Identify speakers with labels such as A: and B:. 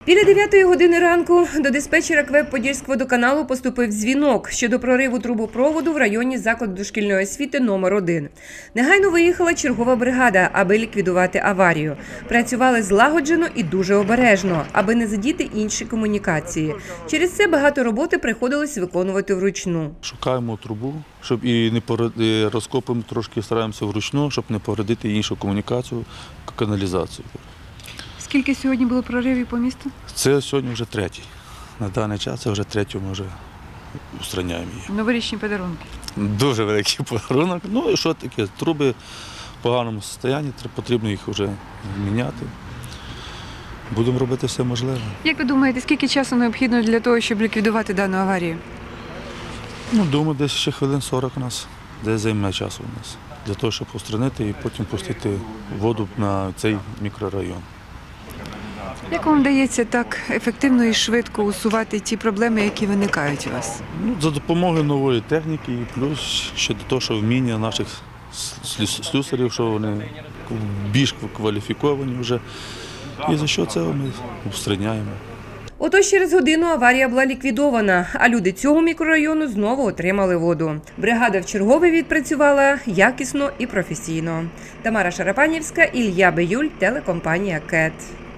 A: Біля 9 години ранку до диспетчера КВЕП Подільськводоканалу поступив дзвінок щодо прориву трубопроводу в районі закладу дошкільної освіти номер 1. Негайно виїхала чергова бригада, аби ліквідувати аварію. Працювали злагоджено і дуже обережно, аби не задіти інші комунікації. Через це багато роботи приходилось виконувати вручну.
B: Шукаємо трубу, щоб і не розкопуємо трошки, стараємося вручну, щоб не повредити іншу комунікацію, каналізацію.
C: Скільки сьогодні було проривів по місту?
B: Це сьогодні вже третій. На даний час це вже третю ми вже устраняємо її.
C: Новорічні подарунки.
B: Дуже великий подарунок. Ну і що таке? Труби в поганому стані, потрібно їх вже міняти. Будемо робити все можливе.
C: Як ви думаєте, скільки часу необхідно для того, щоб ліквідувати дану аварію?
B: Думаю, десь ще хвилин 40 у нас, десь займе часу у нас. Для того, щоб устранити і потім пустити воду на цей мікрорайон.
C: Як вам вдається так ефективно і швидко усувати ті проблеми, які виникають у вас?
B: За допомогою нової техніки і плюс ще до того, що вміння наших слюсарів, що вони більш кваліфіковані вже. І за що це ми устраняємо.
A: Отож через годину аварія була ліквідована, а люди цього мікрорайону знову отримали воду. Бригада вчергове відпрацювала якісно і професійно. Тамара Шарапанівська, Ілля Биюль, телекомпанія КЕТ.